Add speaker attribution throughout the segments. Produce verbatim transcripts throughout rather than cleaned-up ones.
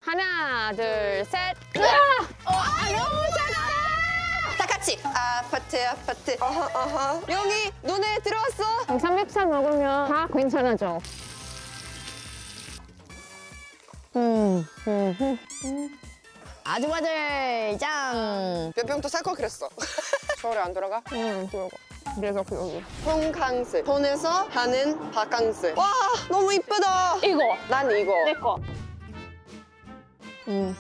Speaker 1: 하나, 둘, 셋. 으아! 어, 아, 너무 작다.
Speaker 2: 다 같이. 아파트, 아파트. 어허, 어허. 여기 눈에 들어왔어.
Speaker 1: 삼겹살 먹으면 다 괜찮아져. 음, 음, 음, 음.
Speaker 3: 아주바들 짱!
Speaker 2: 몇 병 또 살 걸 그랬어. 서울에 안 돌아가?
Speaker 1: 음, 그러고. 그래서 여기.
Speaker 2: 홍캉스. 돈에서 하는 바캉스. 와, 너무 이쁘다.
Speaker 1: 이거.
Speaker 2: 난 이거.
Speaker 1: 내 거. 음.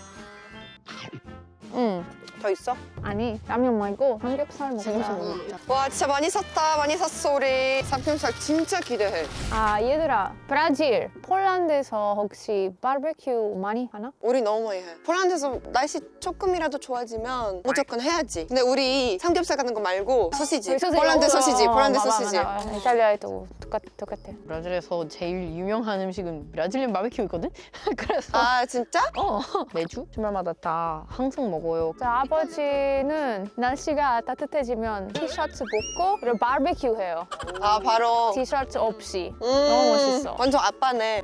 Speaker 1: 음.
Speaker 2: 더 있어?
Speaker 1: 아니, 라면 말고 삼겹살 먹자.
Speaker 2: 와, 진짜 많이 샀다. 많이 샀어, 우리. 삼겹살 진짜 기대해.
Speaker 1: 아, 얘들아. 브라질, 폴란드에서 혹시 바베큐 많이 하나?
Speaker 2: 우리 너무 많이 해. 폴란드에서 날씨 조금이라도 좋아지면 무조건 해야지. 근데 우리 삼겹살 같은 거 말고 소시지. 폴란드 소시지, 폴란드 소시지.
Speaker 1: 이탈리아에도 똑같, 똑같아.
Speaker 3: 브라질에서 제일 유명한 음식은 브라질리안 바베큐거든? 그래서
Speaker 2: 아, 진짜?
Speaker 3: 어 매주 주말마다 다 항상 먹어요.
Speaker 1: 자, 아버지는 날씨가 따뜻해지면 티셔츠 벗고 그리고 바베큐 해요.
Speaker 2: 아, 바로.
Speaker 1: 티셔츠 없이.
Speaker 2: 음,
Speaker 1: 너무 멋있어.
Speaker 2: 완전 아빠네.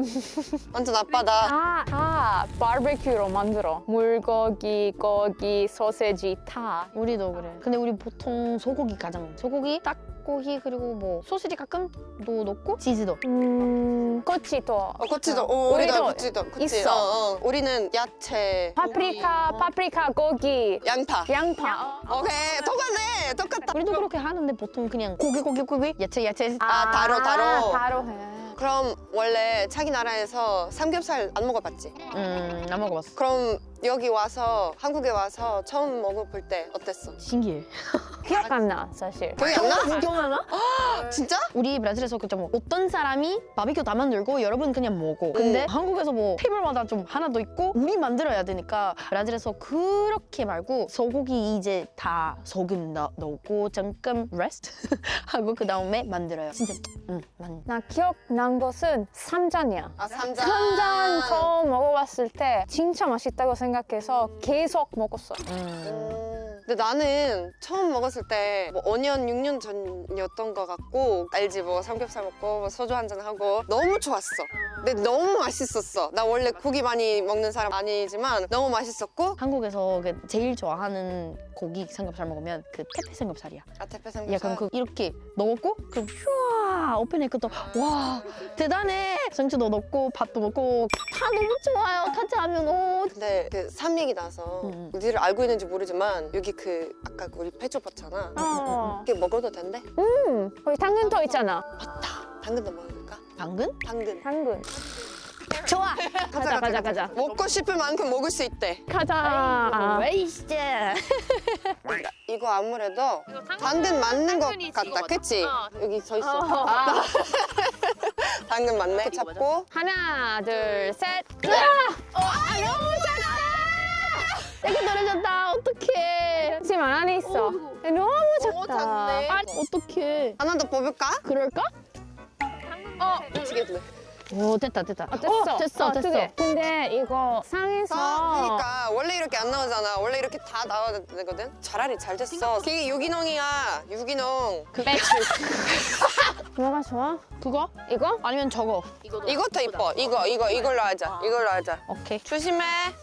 Speaker 2: 완전 아빠다.
Speaker 1: 다, 다 바베큐로 만들어. 물고기, 고기, 소세지 다.
Speaker 3: 우리도 그래. 근데 우리 보통 소고기 가장 소고기, 닭고기 그리고 뭐 소시지 가끔도 넣고 치즈도.
Speaker 1: 음, 꼬치도.
Speaker 2: 어, 고치도. 어, 우리도
Speaker 1: 우리도
Speaker 2: 고치도. 그치?
Speaker 1: 있어.
Speaker 2: 어, 어. 우리는 야채.
Speaker 1: 파프리카, 파프리카, 고기,
Speaker 2: 양파.
Speaker 1: 양파.
Speaker 2: 오케이, 똑같네. 똑같다.
Speaker 3: 우리도 그렇게 하는데 보통 그냥 고기 고기 고기 야채 야채.
Speaker 2: 아, 다로, 다로.
Speaker 1: 다로 해.
Speaker 2: 그럼 원래 자기 나라에서 삼겹살 안 먹어봤지?
Speaker 3: 음, 안 먹어봤어.
Speaker 2: 그럼 여기 와서 한국에 와서 처음 먹어볼 때 어땠어?
Speaker 3: 신기해.
Speaker 1: 기억 안 나, 사실.
Speaker 2: 기억이 안 나?
Speaker 3: 기억나나?
Speaker 2: 진짜?
Speaker 3: 우리 브라질에서 그때 뭐 어떤 사람이 바비큐 다 만들고 여러분 그냥 먹어. 근데
Speaker 2: 음.
Speaker 3: 한국에서 뭐 테이블마다 좀 하나 더 있고 우리 만들어야 되니까 브라질에서 그렇게 말고 소고기 이제 다 소금 넣, 넣고 잠깐 레스트 하고 그 다음에 만들어요. 진짜 응, 만.
Speaker 1: 나 기억난 것은 삼잔이야.
Speaker 2: 아, 삼잔.
Speaker 1: 삼잔 처음 먹어봤을 때 진짜 맛있다고 생각해서 계속 먹었어.
Speaker 3: 음.
Speaker 2: 음. 근데 나는 처음 먹었을 때뭐 오 년, 육 년 전이었던 것 같고 알지 뭐 삼겹살 먹고 뭐 소주 한잔 하고 너무 좋았어. 근데 너무 맛있었어. 나 원래 고기 많이 먹는 사람 아니지만 너무 맛있었고
Speaker 3: 한국에서 그 제일 좋아하는 고기 삼겹살 먹으면 그 테페 삼겹살이야.
Speaker 2: 아, 대패 삼겹살.
Speaker 3: 약간 그 이렇게 넣었고 그럼 슈아 오픈했고 또와 대단해. 상추도 넣고 밥도 먹고 다 너무 좋아요. 같이 하면 오.
Speaker 2: 근데 그 삼 얘기 나서
Speaker 3: 음.
Speaker 2: 니를 알고 있는지 모르지만 여기 그 아까 우리 페조 봤잖아.
Speaker 1: 어.
Speaker 2: 이게 먹어도 된대?
Speaker 1: 음, 거기 당근도 있잖아.
Speaker 2: 당근도 먹을까?
Speaker 3: 당근?
Speaker 2: 당근.
Speaker 1: 당근.
Speaker 3: 좋아.
Speaker 1: 가자, 가자, 가자.
Speaker 2: 먹고 싶을 만큼 먹을 수 있대.
Speaker 1: 가자.
Speaker 3: 웨이스트.
Speaker 2: 이거 아무래도 당근 맞는 것 같다. 그치? 여기 서 있어.
Speaker 1: 어. 아.
Speaker 2: 당근 맞네. 잡고
Speaker 1: 하나, 둘, 셋. 으아! 아, 너무 작다.
Speaker 3: 이거 떨어졌다. 어떡해.
Speaker 1: 하지만 안에 있어. 너무 작다.
Speaker 2: 작네.
Speaker 3: 아니 어떡해.
Speaker 2: 하나 더 뽑을까?
Speaker 3: 그럴까?
Speaker 1: 어,
Speaker 2: 미치겠네.
Speaker 3: 오 됐다 됐다.
Speaker 1: 어, 됐어.
Speaker 3: 어, 됐어
Speaker 1: 어,
Speaker 3: 됐어.
Speaker 1: 두 개. 근데 이거 상에서
Speaker 2: 아, 그러니까 원래 이렇게 안 나오잖아. 원래 이렇게 다 나와야 되거든. 차라리 잘 됐어. 이게 유기농이야. 유기농.
Speaker 3: 그
Speaker 1: 배추. 뭐가 좋아?
Speaker 3: 그거?
Speaker 1: 이거?
Speaker 3: 아니면 저거.
Speaker 2: 이것도 이뻐. 이거 이거 이걸로 하자. 이걸로 하자.
Speaker 3: 오케이.
Speaker 2: 조심해.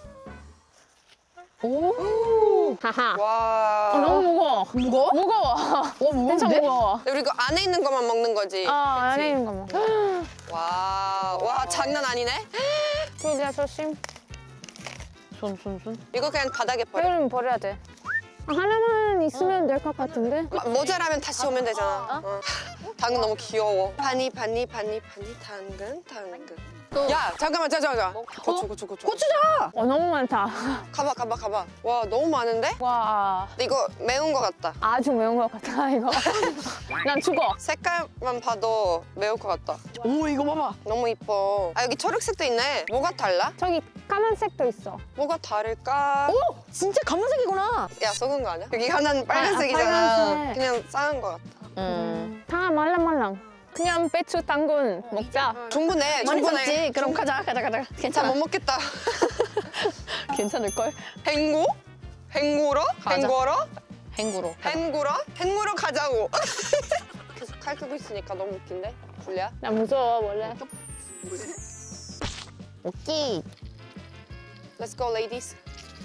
Speaker 3: 오.
Speaker 1: 하하.
Speaker 2: 와.
Speaker 1: 어, 너무 무거워.
Speaker 3: 무거워?
Speaker 1: 무거워.
Speaker 3: 와
Speaker 1: 엄청
Speaker 3: 무거운데?
Speaker 1: 무거워.
Speaker 2: 우리 이거 안에 있는 것만 먹는 거지.
Speaker 1: 어, 안에 있는 거 먹어.
Speaker 2: 와. 와, 장난 아니네.
Speaker 1: 조지야, 조심.
Speaker 3: 손 손 손.
Speaker 2: 이거 그냥 바닥에 버려.
Speaker 1: 배를 버려야 돼. 아, 하나만 있으면 될 것 같은데?
Speaker 2: 마- 모자라면 다시 오면 되잖아. 어. 당근 너무 귀여워. 파니 파니 파니 파니 당근 당근. 야, 잠깐만, 잠깐만. 고추 고추 고추.
Speaker 3: 고추장.
Speaker 1: 어, 너무 많다.
Speaker 2: 가봐 가봐 가봐. 와, 너무 많은데?
Speaker 1: 와,
Speaker 2: 근데 이거 매운 거 같다.
Speaker 1: 아주 매운 것 같아, 이거. 난 죽어.
Speaker 2: 색깔만 봐도 매울 것 같다.
Speaker 3: 오 이거 봐봐.
Speaker 2: 너무 이뻐. 아, 여기 초록색도 있네. 뭐가 달라?
Speaker 1: 저기 까만색도 있어.
Speaker 2: 뭐가 다를까?
Speaker 3: 오 진짜 검은색이구나.
Speaker 2: 야, 속은 거 아니야? 여기 하나는 빨간색이잖아.
Speaker 1: 빨간색.
Speaker 2: 그냥 싸는 거 같아.
Speaker 3: 음.
Speaker 1: 다 말랑말랑. 그냥 배추 당근 먹자.
Speaker 2: 충분해,
Speaker 3: 많이
Speaker 2: 충분해.
Speaker 3: 샀지? 그럼 가자 가자 가자.
Speaker 2: 다
Speaker 3: 괜찮아.
Speaker 2: 못 먹겠다.
Speaker 3: 괜찮을 걸.
Speaker 2: 헹구? 헹구러?
Speaker 3: 가자.
Speaker 2: 헹구러?
Speaker 3: 행구로. 가자.
Speaker 2: 헹구러? 헹구러 가자고. 계속 칼 끄고 있으니까 너무 웃긴데? 줄리야?
Speaker 1: 나 무서워, 원래.
Speaker 3: 오케이.
Speaker 2: Let's go, ladies.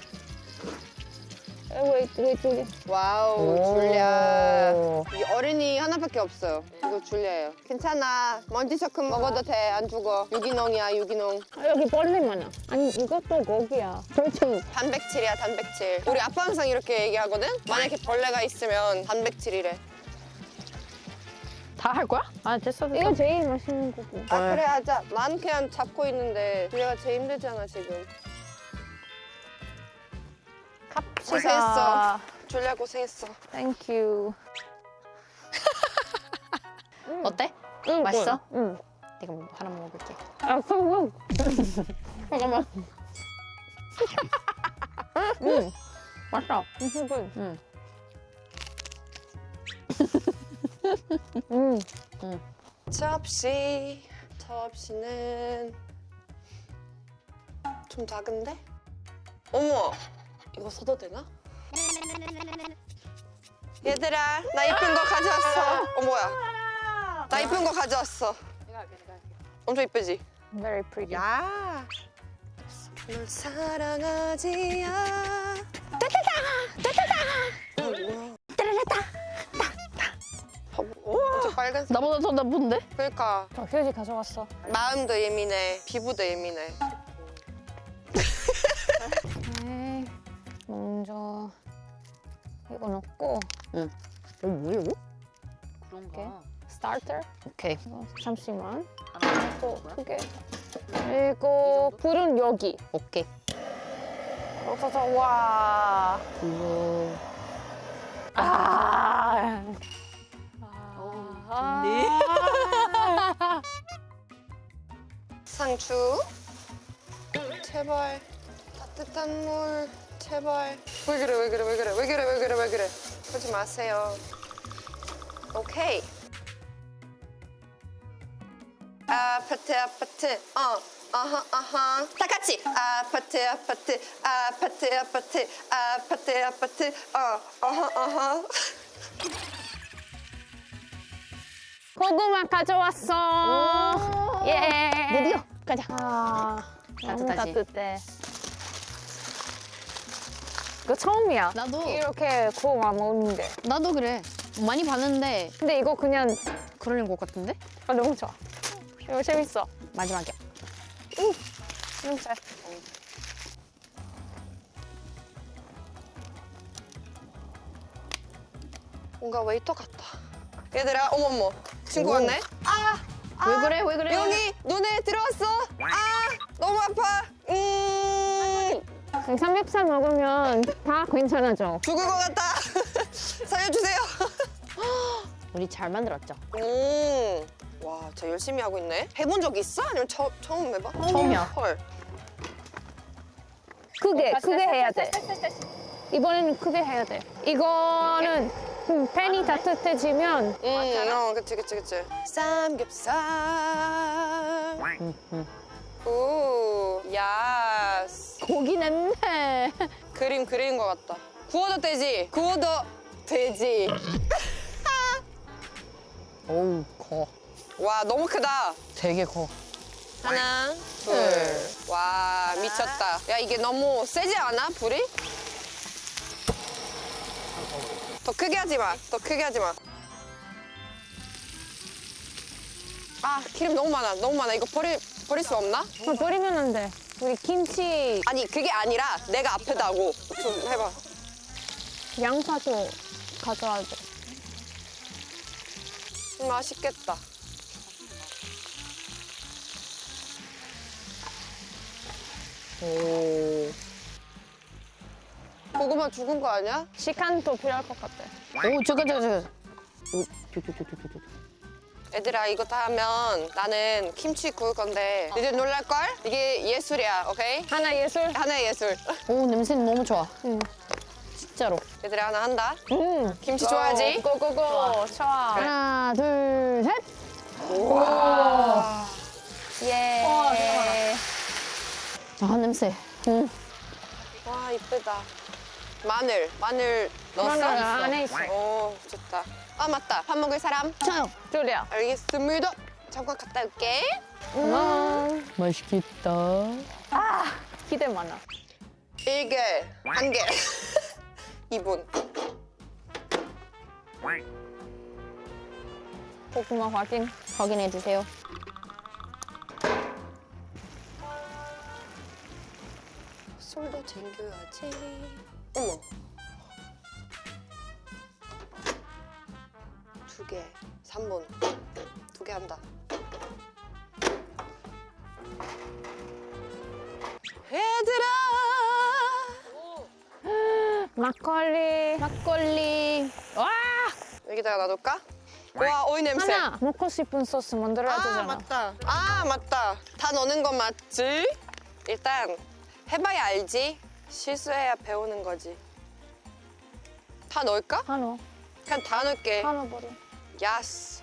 Speaker 1: wait, wait, wait.
Speaker 2: 와우, 줄리아. 이 어른이 하나밖에 없어요. 이거 줄리아예요. 괜찮아. 먼지 조금 먹어도 돼. 안 죽어. 유기농이야, 유기농.
Speaker 1: 아, 여기 벌레 많아. 아니, 이것도 고기야. 프로테인.
Speaker 2: 단백질이야, 단백질. 우리 아빠 항상 이렇게 얘기하거든? 만약에 벌레가 있으면 단백질이래.
Speaker 3: 다 할 거야? 아 됐어 됐어.
Speaker 1: 이거 제일 맛있는 고기.
Speaker 2: 아, 그래, 하자. 난 그냥 잡고 있는데 줄리아가 제일 힘들잖아, 지금. 고생했어. 줄리아 고생했어.
Speaker 1: Thank you.
Speaker 3: 어때?
Speaker 1: 응,
Speaker 3: 맛있어?
Speaker 1: 응.
Speaker 3: 내가 뭐 하나 먹을게.
Speaker 1: 아, 그럼.
Speaker 3: 잠깐만. 응. 맛있어.
Speaker 1: 응.
Speaker 3: 응.
Speaker 1: 응.
Speaker 3: 응.
Speaker 2: 접시. 접시는 좀 작은데? 어머, 이거 써도 되나? 얘들아, 나 이쁜 거 가져왔어. 어, 뭐야? 나 이쁜 거 가져왔어. 엄청 이쁘지?
Speaker 1: Very pretty.
Speaker 2: 야. 널 사랑하지야. 따따따, 따따따. 뭐야? 따라라따. 엄청 빨간색.
Speaker 3: 나보다 더 나쁜데?
Speaker 2: 그러니까
Speaker 1: 저 휴지 가져왔어.
Speaker 2: 마음도 예민해, 피부도 예민해.
Speaker 1: 네. 먼저 이거 넣고
Speaker 3: 응. 어 뭐야 이거?
Speaker 1: 그런가? 스타터.
Speaker 3: 오케이.
Speaker 1: 이거 잠시만. 또 크게. 그리고 불은 여기.
Speaker 3: 오케이.
Speaker 1: 그래서 와.
Speaker 3: 이거.
Speaker 1: 아. 아.
Speaker 2: 상추. 제발 따뜻한 물. 제발. 왜 그래 왜 그래 왜 그래 왜 그래 왜 그래 왜 그래. 그러지 마세요. 오케이. 아파트 아파트 어 아하 아하 다 같이 아파트 아파트 아파트 아파트 아파트 아파트 어 아하 아하.
Speaker 1: 고구마 가져왔어. 예.
Speaker 3: 드디어 가자.
Speaker 1: 아, 너무
Speaker 3: 따뜻하지?
Speaker 1: 따뜻해. 이거 처음이야.
Speaker 3: 나도.
Speaker 1: 이렇게 고구마 먹는 게.
Speaker 3: 나도 그래. 많이 봤는데
Speaker 1: 근데 이거 그냥
Speaker 3: 그러는 것 같은데?
Speaker 1: 아, 너무 좋아. 이거 재밌어.
Speaker 3: 마지막이야.
Speaker 1: 너무 잘.
Speaker 2: 뭔가 웨이터 같다. 얘들아 어머머 친구
Speaker 3: 오.
Speaker 2: 왔네. 아
Speaker 3: 왜 그래? 왜 그래?
Speaker 2: 여기 눈에 들어왔어. 아 너무 아파. 음
Speaker 1: 삼겹살 먹으면 다 괜찮아져.
Speaker 2: 죽을 것 같다. 살려주세요.
Speaker 3: 우리 잘 만들었죠?
Speaker 2: 음. 와, 진짜 열심히 하고 있네. 해본 적 있어? 아니면 처, 처음 해봐?
Speaker 3: 처음이야.
Speaker 2: 헐.
Speaker 1: 크게, 크게 해야 돼. 이번에는 크게 해야 돼. 이거는 음, 팬이 따뜻해지면
Speaker 2: 음, 어, 그치, 그치, 그치. 삼겹살.
Speaker 3: 응, 응.
Speaker 2: 오, 야스.
Speaker 3: 고기 냄새.
Speaker 2: 그림 그린 것 같다. 구워도 되지? 구워도 되지.
Speaker 3: 어우 커.
Speaker 2: 와, 너무 크다.
Speaker 3: 되게 커.
Speaker 2: 하나, 둘. 와, 미쳤다. 야, 이게 너무 세지 않아, 불이? 더 크게 하지 마. 더 크게 하지 마. 아, 기름 너무 많아. 너무 많아. 이거 버리, 버릴 수 없나?
Speaker 1: 어, 버리면 안 돼. 우리 김치
Speaker 2: 아니, 그게 아니라 내가 아프다고. 좀 해봐.
Speaker 1: 양파도 가져와야 돼.
Speaker 2: 음, 맛있겠다.
Speaker 3: 오.
Speaker 2: 고구마 죽은 거 아니야?
Speaker 1: 시간도 필요할 것 같아.
Speaker 3: 오 잠깐 잠깐 잠깐. 오, 저, 저, 저, 저, 저, 저.
Speaker 2: 얘들아, 이거 다 하면 나는 김치 구울 건데 니들 놀랄걸? 이게 예술이야, 오케이?
Speaker 1: 하나 예술.
Speaker 2: 하나의 예술.
Speaker 3: 오 냄새는 너무 좋아.
Speaker 1: 응.
Speaker 3: 진짜로.
Speaker 2: 얘들아, 하나 한다.
Speaker 1: 음.
Speaker 2: 김치 좋아하지?
Speaker 1: 고고고. 좋아.
Speaker 3: 하나 둘 셋.
Speaker 1: 예.
Speaker 3: 아 냄새. 응.
Speaker 2: 와, 이쁘다. 마늘, 마늘 넣었어?
Speaker 1: 마늘 안에 있어.
Speaker 2: 오, 좋다. 아, 맞다. 밥 먹을 사람?
Speaker 3: 저요.
Speaker 1: 줄이야.
Speaker 2: 알겠습니다. 잠깐 갔다 올게.
Speaker 1: 음.
Speaker 3: 맛있겠다.
Speaker 1: 기대 많아.
Speaker 2: 일개 한 개. 이 분.
Speaker 1: 고구마 확인.
Speaker 3: 확인해 주세요.
Speaker 2: 술도 챙겨야지. 어머. 두 개. 삼 분. 두 개 한다. 얘들아.
Speaker 1: 막걸리.
Speaker 3: 막걸리.
Speaker 1: 와!
Speaker 2: 여기다가 놔둘까? 와, 오이 냄새.
Speaker 1: 하나 먹고 싶은 소스 만들어야
Speaker 2: 아,
Speaker 1: 되잖아.
Speaker 2: 맞다. 아, 맞다. 다 넣는 거 맞지? 일단 해봐야 알지. 실수해야 배우는 거지. 다 넣을까?
Speaker 1: 한우.
Speaker 2: 그냥 다 넣을게.
Speaker 1: 한우 버려.
Speaker 2: 야스.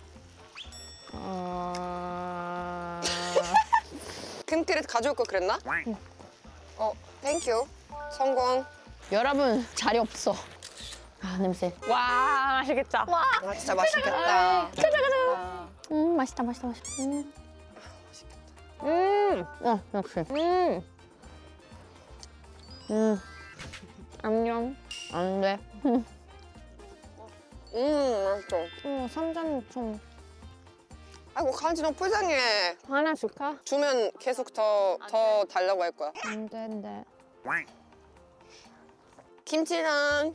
Speaker 1: 어...
Speaker 2: 큰 그릇 가져올 거 그랬나? 어, 땡큐. 성공.
Speaker 3: 여러분 자리 없어. 아 냄새.
Speaker 1: 와, 맛있겠다. 와.
Speaker 2: 아, 진짜 맛있겠다.
Speaker 1: 가자, 가자.
Speaker 3: 음 맛있다 맛있다 맛있다. 음.
Speaker 1: 음,
Speaker 3: 어 역시.
Speaker 1: 음.
Speaker 3: 음.
Speaker 1: 안녕.
Speaker 3: 안 돼.
Speaker 2: 음, 맛있어.
Speaker 1: 어, 삼전 좀
Speaker 2: 아이고, 강아지 너무 불쌍해.
Speaker 1: 하나 줄까?
Speaker 2: 주면 계속 더, 더 달라고 할 거야.
Speaker 1: 안 된대.
Speaker 2: 김치랑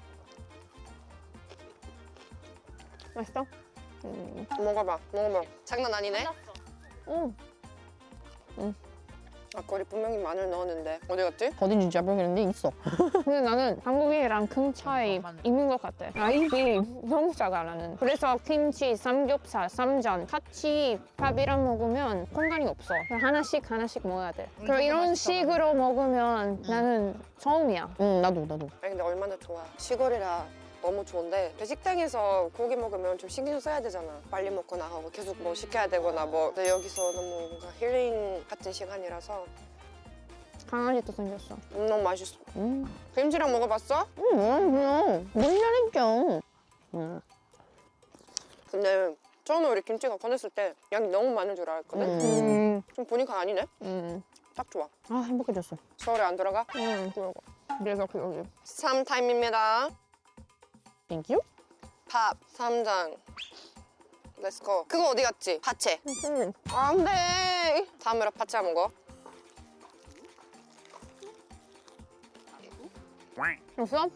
Speaker 1: 맛있어? 음.
Speaker 2: 먹어봐, 먹어봐. 장난 아니네?
Speaker 1: 음.
Speaker 2: 아까 우리 분명히 마늘 넣었는데 어디 갔지?
Speaker 3: 어딘지 잘 모르겠는데 있어.
Speaker 1: 근데 나는 한국이랑 큰 차이 있는 것 같아. 아, 입이 너무 작아, 나는. 그래서 김치, 삼겹살, 쌈장 같이 밥이랑 먹으면 공간이 없어. 하나씩 하나씩 먹어야 돼. 그리고 이런 식으로 먹으면 나는 처음이야.
Speaker 3: 응 나도 나도.
Speaker 2: 아니 근데 얼마나 좋아. 시골이라 너무 좋은데 식당에서 고기 먹으면 좀 신경 써야 되잖아. 빨리 먹거나 하고 계속 뭐 시켜야 되거나 뭐. 근데 여기서 너무 뭔가 힐링 같은 시간이라서
Speaker 1: 강아지도 생겼어.
Speaker 2: 음, 너무 맛있어.
Speaker 3: 음.
Speaker 2: 김치랑 먹어봤어?
Speaker 3: 음 뭐야 뭐야. 뭔 잘했죠. 음.
Speaker 2: 근데 처음에 우리 김치가 꺼냈을 때 양이 너무 많은 줄 알았거든?
Speaker 3: 음.
Speaker 1: 음.
Speaker 2: 좀 보니까 아니네?
Speaker 1: 음.
Speaker 2: 딱 좋아.
Speaker 3: 아 행복해졌어.
Speaker 2: 서울에 안 들어가?
Speaker 1: 음, 그러고. 그래서 그 여기.
Speaker 2: 삼 타임입니다.
Speaker 3: 땡큐.
Speaker 2: 밥, 쌈장. 렛츠고. 그거 어디 갔지? 파채.
Speaker 1: 음.
Speaker 2: 안 돼. 다음으로 파채 먹어.
Speaker 1: 없어?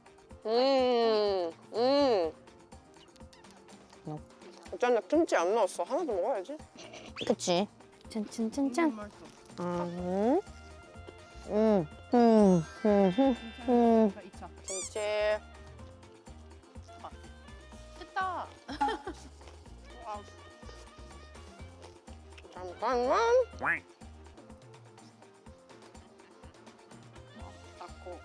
Speaker 2: 음, 음.
Speaker 3: No.
Speaker 2: 어쩐지 김치 안 넣었어. 하나 더 먹어야지.
Speaker 3: 그치. 짠짠짠짠. 음. 음. 음. 음. 음.
Speaker 2: 김치.
Speaker 4: 됐다.
Speaker 2: 잠깐만.
Speaker 4: 닦고.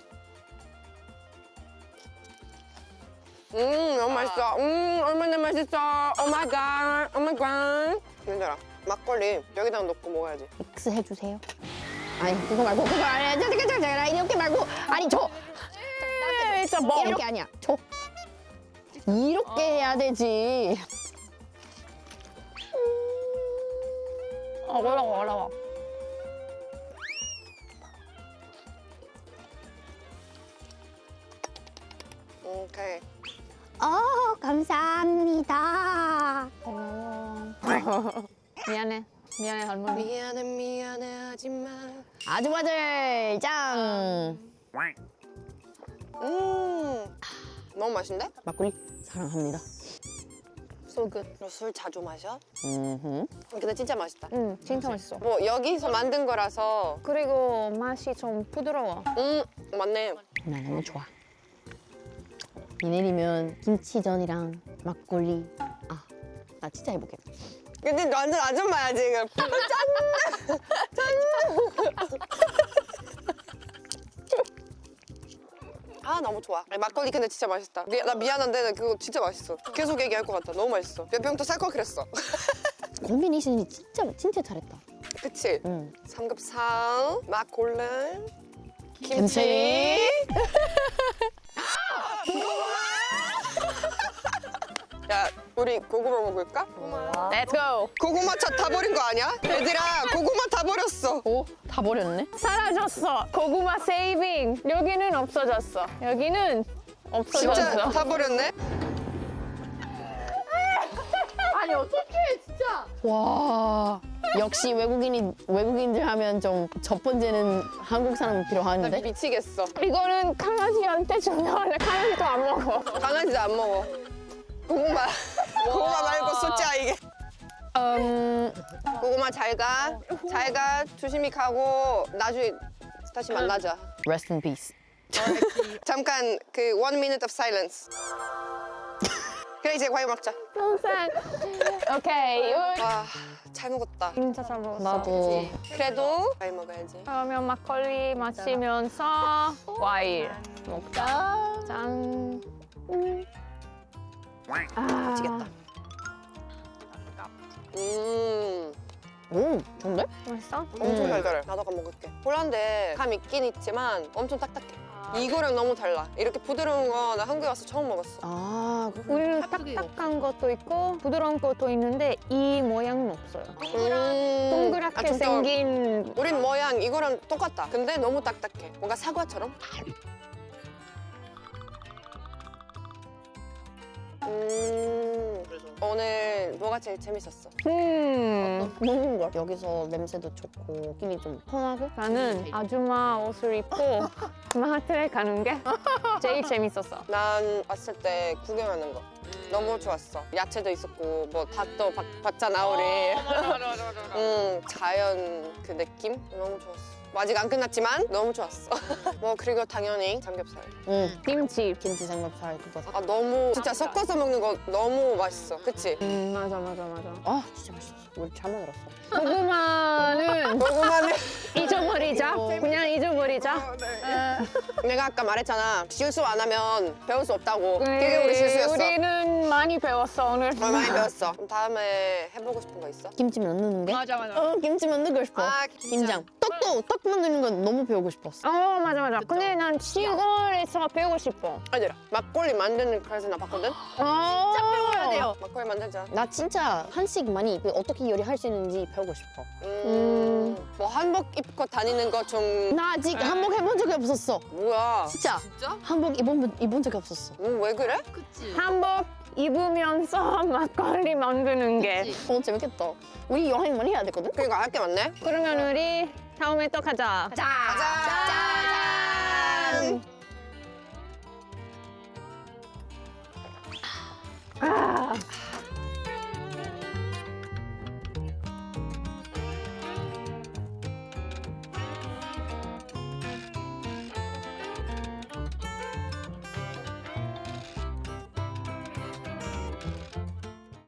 Speaker 2: 음, 너무 맛있어. 음, 얼마나 맛있어. 오 마이 갓. 오 마이 갓. 얘들아, 막걸리 여기다 넣고 먹어야지.
Speaker 3: 믹스 해주세요. 아니 그거 말고 그거 아니야. 잠깐 잠깐 잠깐 이렇게 말고 아니 저
Speaker 1: 진짜 뭐.
Speaker 3: 이렇게 아니야. 저 이렇게 해야 되지.
Speaker 1: 어, 올라와, 올라와.
Speaker 2: 오케이.
Speaker 3: 어 감사합니다.
Speaker 1: 고마워. 미안해. 미안해, 할머니.
Speaker 2: 미안해, 미안해, 하지만.
Speaker 3: 아주바들 짱.
Speaker 2: 음, 너무 맛있는데?
Speaker 3: 막걸리 사랑합니다.
Speaker 1: So good.
Speaker 2: 너 술 자주 마셔?
Speaker 3: 음.
Speaker 2: 근데 진짜 맛있다.
Speaker 1: 응, 진짜 맛있어.
Speaker 2: 뭐 여기서 만든 거라서.
Speaker 1: 그리고 맛이 좀 부드러워.
Speaker 2: 음, 맞네.
Speaker 3: 나 너무 좋아. 비 내리면 김치전이랑 막걸리. 아, 나 진짜 해보겠다.
Speaker 2: 근데 너 완전 아줌마야 지금. 짠! 짠! 아 너무 좋아. 아니, 막걸리 근데 진짜 맛있다. 미, 나 미안한데 그거 진짜 맛있어. 계속 얘기할 것 같다. 너무 맛있어. 몇 병 더 살 걸 그랬어.
Speaker 3: 콤비네이션이 진짜 진짜 잘했다.
Speaker 2: 그치?
Speaker 3: 응.
Speaker 2: 삼겹살, 막걸리, 김치.
Speaker 3: 김치.
Speaker 2: 야, 우리 고구마 먹을까?
Speaker 1: Let's go.
Speaker 2: 고구마 차 다 버린 거 아니야? 얘들아, 고구마 다 버렸어.
Speaker 3: 오, 다 버렸네.
Speaker 1: 사라졌어. 고구마 세이빙. 여기는 없어졌어. 여기는
Speaker 2: 진짜
Speaker 1: 없어졌어.
Speaker 2: 다 버렸네?
Speaker 4: 아니 어떡해 진짜.
Speaker 3: 와. 역시 외국인이 외국인들 하면 좀 첫 번째는 한국 사람이
Speaker 2: 나
Speaker 3: 필요한데.
Speaker 2: 미치겠어.
Speaker 1: 이거는 강아지한테 주면 강아지도 안 먹어.
Speaker 2: 강아지도 안 먹어. 고구마. 고구마 말고 숫자 이게.
Speaker 3: 음,
Speaker 2: 고구마 잘 가. 잘 가. 조심히 가고 나중에 다시 만나자.
Speaker 3: rest in peace.
Speaker 2: 잠깐 그 one minute of silence. 그래 이제 과일 먹자.
Speaker 1: 평생. 오케이.
Speaker 2: 와, 잘 먹었다.
Speaker 1: 진짜 잘 먹었어.
Speaker 3: 나도.
Speaker 2: 그래도 과일 먹어야지.
Speaker 1: 그러면 막걸리 마시면서 과일 먹자. 짠. 음. 아,
Speaker 2: 미치겠다. 음,
Speaker 3: 오, 좋은데?
Speaker 1: 맛있어?
Speaker 2: 엄청
Speaker 3: 음.
Speaker 2: 달달해. 나도 가 먹을게. 홀란데 감 있긴 있지만 엄청 딱딱해. 이거랑 너무 달라. 이렇게 부드러운 거 나 한국에 와서 처음 먹었어.
Speaker 3: 아,
Speaker 1: 우리는
Speaker 4: 깍두기
Speaker 1: 딱딱한 것도 있고 부드러운 것도 있는데 이 모양은 없어요.
Speaker 2: 음,
Speaker 1: 동그랗게
Speaker 2: 아, 좀 더-
Speaker 1: 생긴
Speaker 2: 우린 모양 이거랑 똑같다. 근데 너무 딱딱해. 뭔가 사과처럼. 음, 오늘 뭐가 제일 재밌었어?
Speaker 1: 음.
Speaker 3: 먹는 걸. 여기서 냄새도 좋고 느낌이 좀 편하고.
Speaker 1: 나는 아줌마 옷을 입고 마트에 가는 게 제일 재밌었어.
Speaker 2: 난 왔을 때 구경하는 거 너무 좋았어. 야채도 있었고 뭐 닭도 박, 봤잖아 우리.
Speaker 4: 맞아 맞아 맞아 맞아.
Speaker 2: 음, 자연 그 느낌 너무 좋았어. 뭐 아직 안 끝났지만 너무 좋았어. 뭐 그리고 당연히 삼겹살.
Speaker 3: 응.
Speaker 1: 김치.
Speaker 3: 김치 삼겹살 그거.
Speaker 2: 아 너무 진짜 섞어서 먹는 거 너무 맛있어. 그치?
Speaker 1: 음, 맞아 맞아 맞아.
Speaker 3: 아, 진짜 맛있어. 우리 잘 만들었어.
Speaker 1: 고구마는
Speaker 2: 고구마는
Speaker 1: 잊어버리자. 그냥 잊어버리자.
Speaker 2: 내가 아까 말했잖아. 실수 안 하면 배울 수 없다고. 그게 우리 실수였어.
Speaker 1: 우리는 많이 배웠어 오늘.
Speaker 2: 어, 많이 배웠어. 그럼 다음에 해보고 싶은 거 있어?
Speaker 3: 김치 만드는 게?
Speaker 4: 맞아 맞아.
Speaker 3: 어, 김치 만들고 싶어.
Speaker 2: 아,
Speaker 3: 김장. 떡도 떡 만드는 건 너무 배우고 싶었어.
Speaker 1: 어 맞아 맞아. 근데 난 시골에서 배우고 싶어.
Speaker 2: 아니라 막걸리 만드는 클래스 나 봤거든?
Speaker 1: 진짜
Speaker 3: 배워야 돼요.
Speaker 2: 막걸리 만들자.
Speaker 3: 나 진짜 한식 많이 그 어떻게 요리할 수 있는지 배우고 싶어.
Speaker 2: 음, 뭐 한복 입고 다니는 거 좀
Speaker 3: 나 아직 한복 해본 적이 없었어.
Speaker 2: 뭐야?
Speaker 3: 진짜
Speaker 4: 진짜?
Speaker 3: 한복 입은 입은 적이 없었어.
Speaker 2: 뭐 왜 그래?
Speaker 4: 그치.
Speaker 1: 한복 입으면서 막걸리 만드는 게.
Speaker 4: 그치.
Speaker 3: 어 재밌겠다. 우리 여행 많이 해야 되거든.
Speaker 2: 그러니까 할 게 많네.
Speaker 1: 그러면 우리 다음에 또 가자.
Speaker 3: 자.
Speaker 2: 가자.